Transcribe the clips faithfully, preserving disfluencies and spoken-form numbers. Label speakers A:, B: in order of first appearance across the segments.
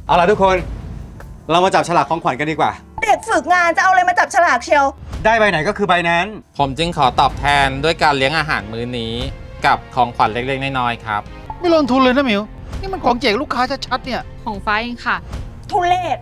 A: เอาล่ะทุกคนเรามาจับฉลากของขวัญกันดีกว่า
B: เด็กฝึกงานจะเอาอะไรมาจับฉลากเชียว
A: ได้ใบไหนก็คือใบนั้น
C: ผมจึงขอตอบแทนด้วยการเลี้ยงอาหารมื้อนี้กับของขวัญเล็กๆน้อยๆครับ
D: ไม่ลงทุนเลยนะหมิวนี่มันของแจกลูกค้าชัดๆเนี่ย
E: ของฟ้าเองค่ะ
B: ทุเรศ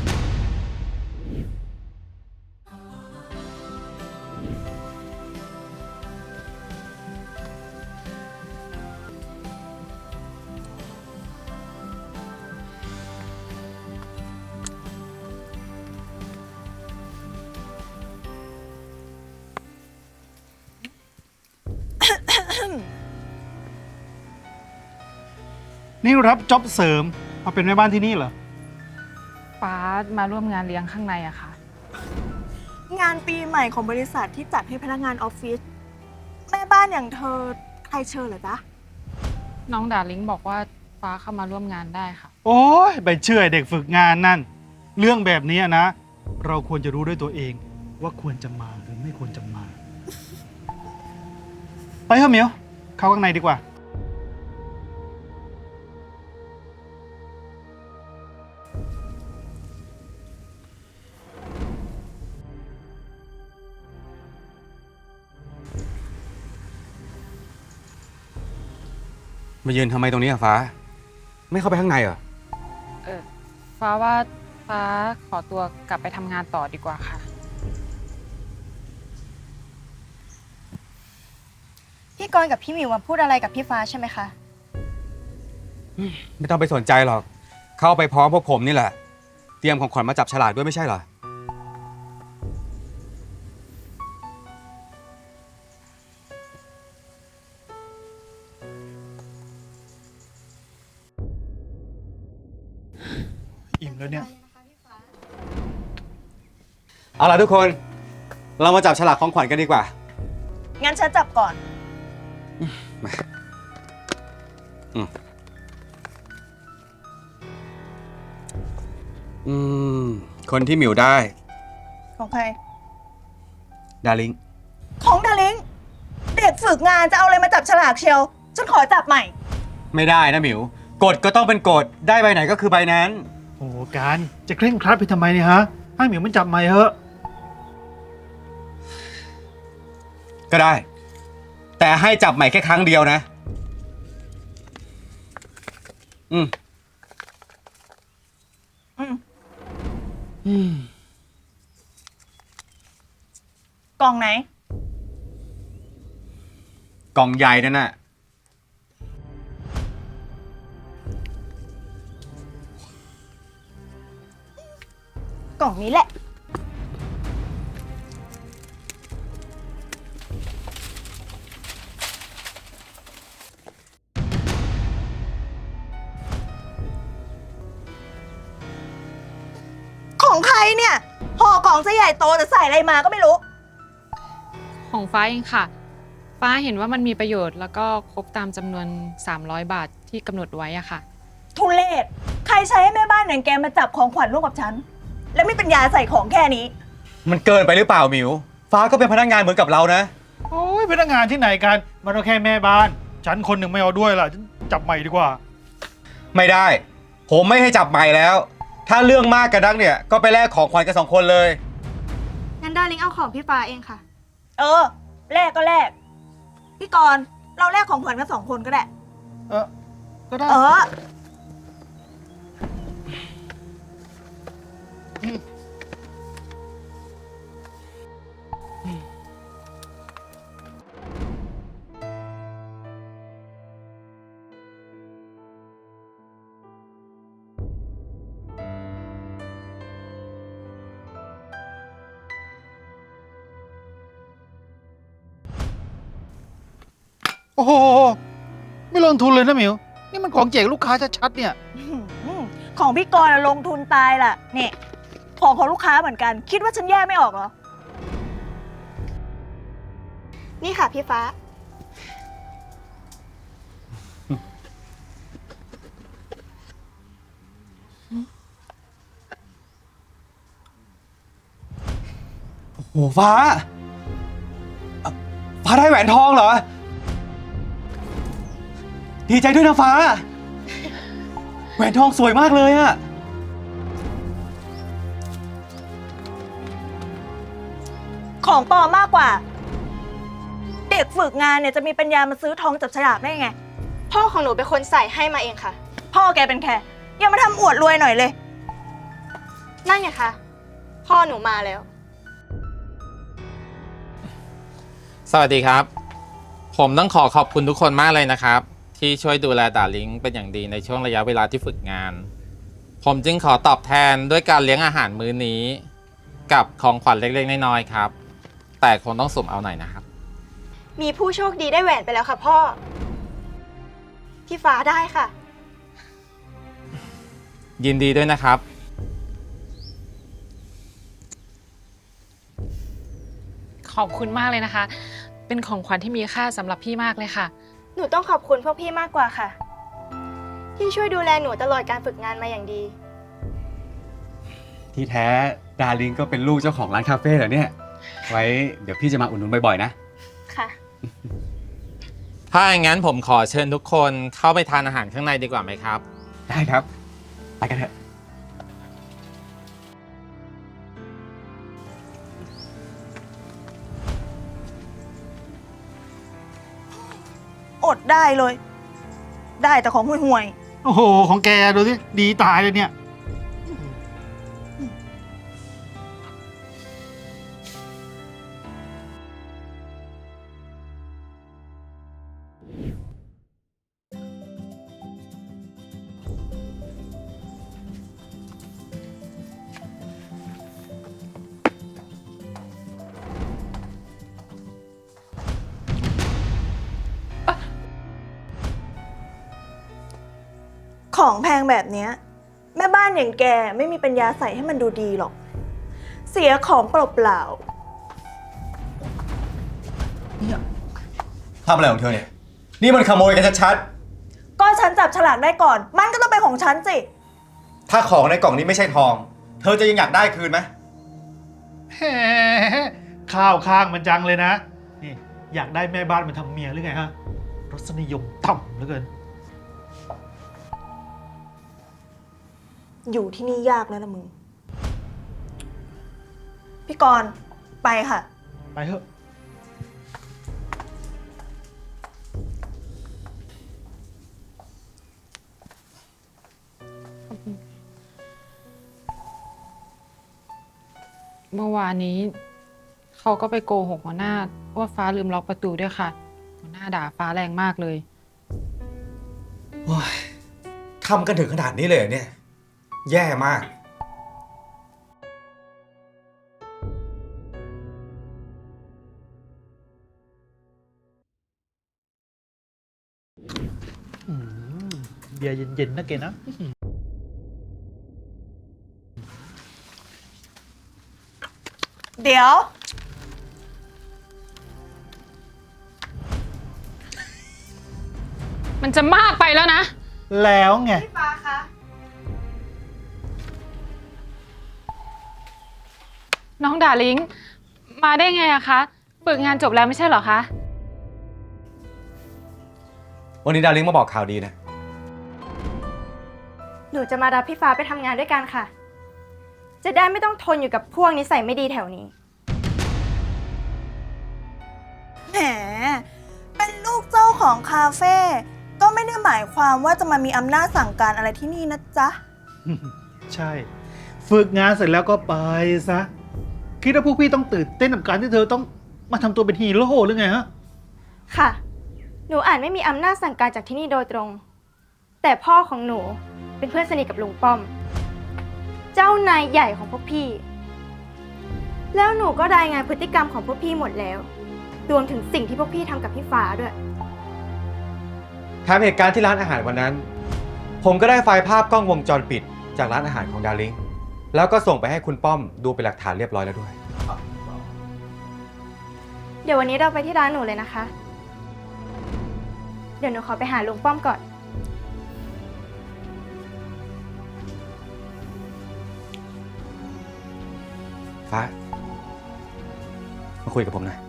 D: นี่รับจ็อบเสริมมาเป็นแม่บ้านที่นี่เหรอ
E: ฟ้ามาร่วมงานเลี้ยงข้างในอะค่ะ
B: งานปีใหม่ของบริษัทที่จัดให้พนักงานออฟฟิศแม่บ้านอย่างเธอใครเชิญเหรอจ๊ะ
E: น้องดาริงบอกว่าฟ้าเข้ามาร่วมงานได้ค่ะ
D: โอ้ยไปเชื่อเด็กฝึกงานนั่นเรื่องแบบนี้นะเราควรจะรู้ด้วยตัวเองว่าควรจะมาหรือไม่ควรจะมาไปเถอะหมิวเข้าข้างในดีกว่า
A: มายืนทำไมตรงนี้อะฟ้าไม่เข้าไปข้างในเหรอ
E: เออฟ้าว่าฟ้าขอตัวกลับไปทำงานต่อดีกว่าค่ะ
B: พี่กรณ์กับพี่หมิวมาพูดอะไรกับพี่ฟ้าใช่ไหมคะ
A: ไม่ต้องไปสนใจหรอกเข้าไปพร้อมพวกผมนี่แหละเตรียมของขวัญมาจับฉลากด้วยไม่ใช่เหรอ
D: อิ่มแล้วเนี่ย
A: เอาล่ะทุกคนเรามาจับฉลากของขวัญกันดีกว่า
B: งั้นฉันจับก่อน
A: มาอืมอืมคนที่หมิวได้
B: ของใคร
A: ดาริง
B: ของดาริงเด็กฝึกงานจะเอาอะไรมาจับฉลากเชียวฉันขอจับใหม่
A: ไม่ได้นะหมิวกฎก็ต้องเป็นกฎได้ใบไหนก็คือใบนั้น
D: โอ้การจะเคร่งครัดไปทำไมเนี่ยฮะให้หมิวมันจับใหม่เถอะ
A: ก็ได้แต่ให้จับใหม่แค่ครั้งเดียวนะอืม
B: อืม
A: อืม
B: กล่องไหน
A: กล่องใหญ่นั่นน่ะ
B: กล่องนี้แหละของใครเนี่ยห่อกล่องซะใหญ่โตแต่ใส่อะไรมาก็ไม่รู้
E: ของฟ้าเองค่ะฟ้าเห็นว่ามันมีประโยชน์แล้วก็ครบตามจำนวนสามร้อยบาทที่กำหนดไว้อะค่ะ
B: ทุเรศใครใช้ให้แม่บ้านอย่างแกมาจับของขวัญร่วมกับฉันและไม่เป็นยาใส่ของแค่นี้
A: มันเกินไปหรือเปล่าหมิวฟ้าก็เป็นพนักงานเหมือนกับเรานะ
D: โอ้ยพนักงานที่ไหนกันมันก็แค่แม่บ้านฉันคนหนึ่งไม่เอาด้วยล่ะจับใหม่ดีกว่า
A: ไม่ได้ผมไม่ให้จับใหม่แล้วถ้าเรื่องมากกระดักเนี่ยก็ไปแลกของขวัญกันสองคนเลย
F: งั้นดาริงเอาของพี่ฟ้าเองค่ะ
B: เออแลกก็แลกพี่กรณ์เราแลกของขวัญกันสองคนก็ได้
D: เออก็ได้
B: เออ
D: โอ้โหไม่ลงทุนเลยนะหมิวนี่มันของแจกลูกค้าชัดๆเนี่ย
B: ของพี่กรณ์ลงทุนตายล่ะเนี่ยของของลูกค้าเหมือนกันคิดว่าฉันแยกไม่ออกเหรอ
F: นี่ค่ะพี่ฟ้า
A: โอ้ฟ้าฟ้าได้แหวนทองเหรอดีใจด้วยนะฟ้าแหวนทองสวยมากเลยอะ
B: ของปลอมมากกว่า เด็กฝึกงานเนี่ยจะมีปัญญามาซื้อทองจับฉลากได้ไง
F: พ่อของหนูเป็นคนใส่ให้มาเองค่ะ
B: พ่อแกเป็นแค่อย่ามาทำอวดรวยหน่อยเลย
F: นั่นไงคะ พ่อหนูมาแล้ว
C: สวัสดีครับ ผมต้องขอขอบคุณทุกคนมากเลยนะครับ ที่ช่วยดูแลดาริงเป็นอย่างดีในช่วงระยะเวลาที่ฝึกงาน ผมจึงขอตอบแทนด้วยการเลี้ยงอาหารมื้อนี้ กับของขวัญเล็กๆน้อยๆครับ แต่คงต้องสุ่มเอาหน่อยนะครับ
F: มีผู้โชคดีได้แหวนไปแล้วค่ะพ่อ พี่ฟ้าได้ค่ะ
C: ยินดีด้วยนะครับ
E: ขอบคุณมากเลยนะคะ เป็นของขวัญที่มีค่าสำหรับพี่มากเลยค่ะ
F: หนูต้องขอบคุณพวกพี่มากกว่าค่ะ ที่ช่วยดูแลหนูตลอดการฝึกงานมาอย่างดี
A: ที่แท้ดาริงก็เป็นลูกเจ้าของร้านคาเฟ่เหรอเนี่ย ไว้เดี๋ยวพี่จะมาอุดหนุนบ่อยๆนะ
F: ค่ะ
C: ถ้าอย่างนั้นผมขอเชิญทุกคนเข้าไปทานอาหารข้างในดีกว่าไหมครับ
A: ได้ครับ ไปกันเถอะ
B: อดได้เลย ได้แต่ของห่วย
D: โอ้โห ของแกดูสิ ดีตายเลยเนี่ย
B: ๆของแพงแบบเนี้ยแม่บ้านอย่างแกไม่มีปัญญาใส่ให้มันดูดีหรอก เสียของเปล่า
A: ทำอะไรของเธอเนี่ย นี่มันขโมยกันชัด
B: ๆก็ฉันจับฉลากได้ก่อน มันก็ต้องเป็นของฉันสิ
A: ๆถ้าของในกล่องนี้ไม่ใช่ทอง เธอจะยังอยากได้คืนไหม
D: แหมข้าวข้างมันจังเลยนะ นี่อยากได้แม่บ้านมาทำเมียหรือไงฮะ รสนิยมต่ำเหลือเกิน
B: อยู่ที่นี่ยากแล้วนะมึง พี่กรณ์ไปค่ะ
D: ไปเถอะ
E: เมื่อวานนี้เขาก็ไปโกหกหัวหน้าว่าฟ้าลืมล็อกประตูด้วยค่ะ หัวหน้าด่าฟ้าแรงมากเลย
A: โอ้ยทำกันถึงขนาดนี้เลยเหรอเนี่ย แย่มาก
D: อืมเบียร์เย็นๆนะเกนะ
B: เดี๋ยว
E: มันจะมากไปแล้วนะ
D: แล้วไง
F: พี่ฟ้าคะ
E: น้องดาริงมาได้ไงอะคะฝึกงานจบแล้วไม่ใช่เหรอคะ
A: วันนี้ดาริงมาบอกข่าวดีนะ
F: หนูจะมารับพี่ฟ้าไปทำงานด้วยกันค่ะ จะได้ไม่ต้องทนอยู่กับพวกนิสัยไม่ดีแถวนี้
B: แหม เป็นลูกเจ้าของคาเฟ่ก็ไม่ได้หมายความว่าจะมามีอำนาจสั่งการอะไรที่นี่นะจ๊ะ
D: ใช่ ฝึกงานเสร็จแล้วก็ไปซะ คิดว่าพวกพี่ต้องตื่นเต้นกับการที่เธอต้องมาทำตัวเป็นฮีโร่หรือไงฮะ
F: ค่ะ หนูอาจไม่มีอำนาจสั่งการจากที่นี่โดยตรง แต่พ่อของหนูเป็นเพื่อนสนิทกับลุงป้อม เจ้านายใหญ่ของพวกพี่ แล้วหนูก็รายงานพฤติกรรมของพวกพี่หมดแล้ว รวมถึงสิ่งที่พวกพี่ทำกับพี่ฟ้าด้วย
A: แถมเหตุการณ์ที่ร้านอาหารวันนั้น ผมก็ได้ไฟล์ภาพกล้องวงจรปิดจากร้านอาหารของดาริงแล้วก็ส่งไปให้คุณป้อมดูเป็นหลักฐานเรียบร้อยแล้วด้วย
F: เดี๋ยววันนี้เราไปที่ร้านหนูเลยนะคะ เดี๋ยวหนูขอไปหาลุงป้อมก่อน
A: ฟ้า มาคุยกับผมหน่อย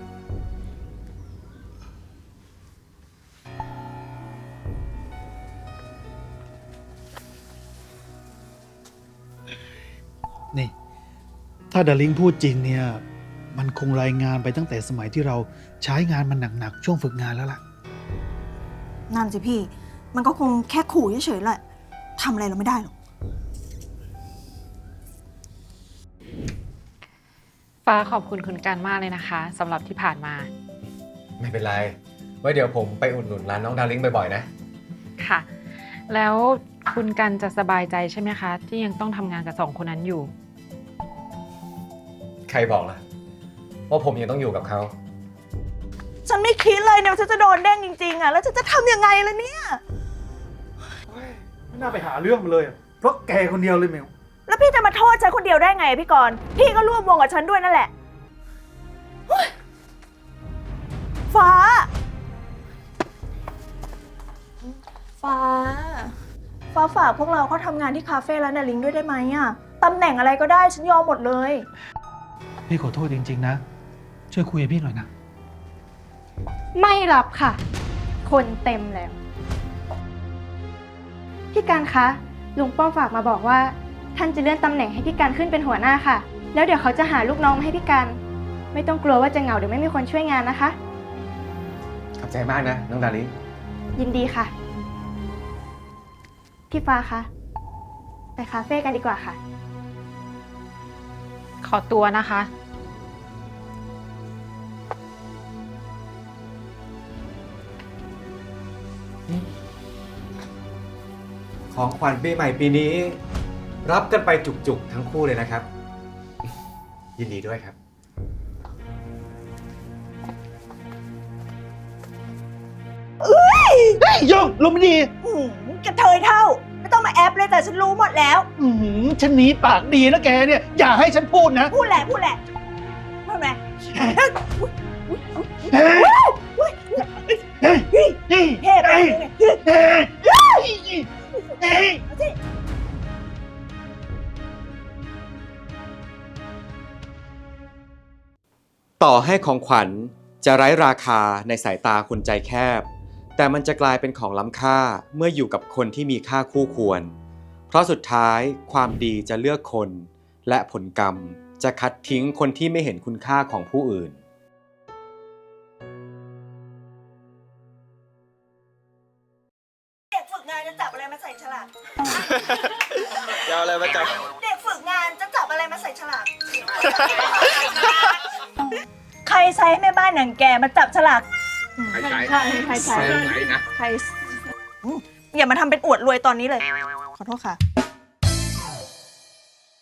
D: นี่ ถ้าดาริงพูดจริงเนี่ยมันคงรายงานไปตั้งแต่สมัยที่เราใช้งานมันหนักๆช่วงฝึกงานแล้วล่ะ
B: นั่นสิพี่ มันก็คงแค่ขู่เฉยๆแหละทำอะไรเราไม่ได้หรอก
E: ฟ้าขอบคุณคุณกันมากเลยนะคะสำหรับที่ผ่านมา
A: ไม่เป็นไร ไว้เดี๋ยวผมไปอุดหนุนร้านน้องดาริงบ่อยๆนะ
E: ค่ะ แล้วคุณกันจะสบายใจใช่ไหมคะ ที่ยังต้องทำงานกับสองคนนั้นอยู่
A: ใครบอกล่ะว่าผมยังต้องอยู่กับเขา
B: ฉันไม่คิดเลยเนี่ยว่าฉันจะโดนเด้งจริงๆอ่ะ แล้วฉันจะทำยังไงล่ะเนี่ย
D: ไม่น่าไปหาเรื่องมันเลยอะเพราะแกคนเดียวเลยเมล
B: แล้วพี่จะมาโทษฉันคนเดียวได้ไงอะพี่กรณ์พี่ก็ร่วมวงกับฉันด้วยนั่นแหละเฮ้ยฟ้า ฟ้า ฟ้าฝากพวกเราเขาทำงานที่คาเฟ่ร้านนาลิงด้วยได้ไหมอะตำแหน่งอะไรก็ได้ฉันยอมหมดเลย
D: พี่ขอโทษจริงๆนะ ช่วยคุยกับพี่หน่อยนะ
F: ไม่รับค่ะ คนเต็มแล้ว พี่การคะ ลุงป้อมฝากมาบอกว่า ท่านจะเลื่อนตำแหน่งให้พี่การขึ้นเป็นหัวหน้าค่ะ แล้วเดี๋ยวเขาจะหาลูกน้องมาให้พี่การ ไม่ต้องกลัวว่าจะเหงาหรือไม่มีคนช่วยงานนะคะ
A: ขอบใจมากนะ น้องดาริง
F: ยินดีค่ะ พี่ฟ้าคะ ไปคาเฟ่กันดีกว่าค่ะ
E: ขอตัวนะคะ
A: ของขวัญปีใหม่ปีนี้ รับกันไปจุกๆทั้งคู่เลยนะครับ ยินดีด้วยครับ
D: เฮ้ยโยงลมไม่ดี
B: อืมกระเทยเท่า ไม่ต้องมาแอปเลยแต่ฉันรู้หมดแล้ว
D: อือหือฉันหนีปากดีนะแกเนี่ย อย่าให้ฉันพูดนะ
B: พูดแหละพูดแหละทำไม
D: เฮ้ยเฮ้ยเฮ้ยเฮ้ย
B: เท่ไป
D: เฮ้ย
B: เลย
D: เฮ้ยเฮ้ย
A: ต่อให้ของขวัญจะไร้ราคาในสายตาคนใจแคบ แต่มันจะกลายเป็นของล้ำค่าเมื่ออยู่กับคนที่มีค่าคู่ควร เพราะสุดท้ายความดีจะเลือกคน และผลกรรมจะคัดทิ้งคนที่ไม่เห็นคุณค่าของผู้อื่น
B: เด็กฝึกงานจะจับอะไรมาใส่ฉลาก
G: จะเอาอะไรมาจับ
B: เด็กฝึกงานจะจับอะไรมาใส่ฉลาก ใครใช้ให้แม่บ้านหนังแกมาจับฉลาก
G: ใครใช้
B: ใครใครใช้
G: ใครนะ
B: ใครอืมอย่ามาทำเป็นอวดรวยตอนนี้เลย ขอโทษค่ะ